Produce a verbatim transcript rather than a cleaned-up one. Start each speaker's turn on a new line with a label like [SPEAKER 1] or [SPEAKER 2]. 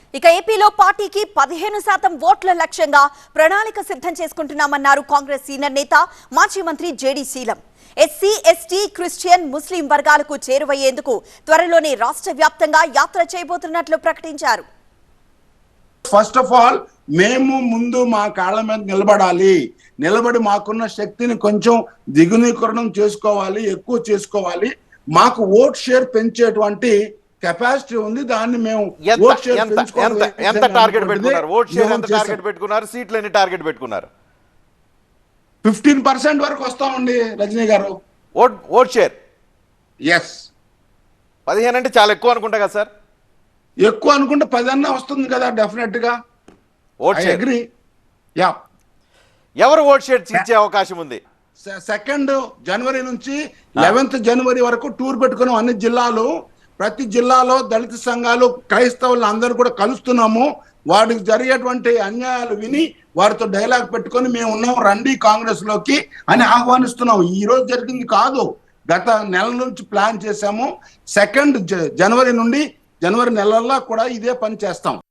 [SPEAKER 1] ఇక ఏపీలో పార్టీకి పదిహేను శాతం ఓట్ల లక్ష్యంగా ప్రణాళిక సిద్ధం చేసుకుంటున్నామన్నారు కాంగ్రెస్ సీనియర్ నేత మాజీ మంత్రి JD Seelam. SC ST Christian ముస్లిం వర్గాలకు చేరువయ్యేందుకు త్వరలోనే రాష్ట్ర వ్యాప్తంగా యాత్ర చేయబోతున్నట్లు ప్రకటించారు.
[SPEAKER 2] ఫస్ట్ ఆఫ్ ఆల్ మేము ముందు మా కాళ్ళ మీద నిలబడాలి, నిలబడి మాకున్న శక్తిని కొంచెం దిగునీకరణం చేసుకోవాలి, ఎక్కువ చేసుకోవాలి. మాకు ఓట్ షేర్ పెంచేటువంటి కెపాసిటీ ఉంది. దాన్ని మేము ఓట్ షేర్
[SPEAKER 3] ఎంత టార్గెట్ పెట్టుకున్నారు? ఓట్ షేర్ ఎంత టార్గెట్ పెట్టుకున్నారు? సీట్లు ఎన్ని టార్గెట్ పెట్టుకున్నారు?
[SPEAKER 2] ఫిఫ్టీన్ పర్సెంట్ వరకు వస్తామండి రజనీ గారు.
[SPEAKER 3] ఓట్ ఓట్ షేర్
[SPEAKER 2] ఎస్
[SPEAKER 3] పదిహేను అంటే చాలా ఎక్కువ అనుకుంటా కదా సార్?
[SPEAKER 2] ఎక్కువ అనుకుంటే పది అన్న వస్తుంది కదా డెఫినెట్ గా.
[SPEAKER 3] Vote share
[SPEAKER 2] agree. యా,
[SPEAKER 3] ఎవరు ఓట్ షేర్ ఇచ్చే అవకాశం ఉంది?
[SPEAKER 2] సెకండ్ జనవరి నుంచి లెవెన్త్ జనవరి వరకు టూర్ పెట్టుకున్నాం అన్ని జిల్లాలు. ప్రతి జిల్లాలో దళిత సంఘాలు, క్రైస్తవులు అందరూ కూడా కలుస్తున్నాము. వాటికి జరిగేటువంటి అన్యాయాలు విని వారితో డైలాగ్ పెట్టుకొని మేము ఉన్నాం, రండి కాంగ్రెస్ లోకి అని ఆహ్వానిస్తున్నాం. ఈ రోజు జరిగింది కాదు, గత నెల నుంచి ప్లాన్ చేశాము. సెకండ్ జనవరి నుండి జనవరి నెలల్లో కూడా ఇదే పని చేస్తాం.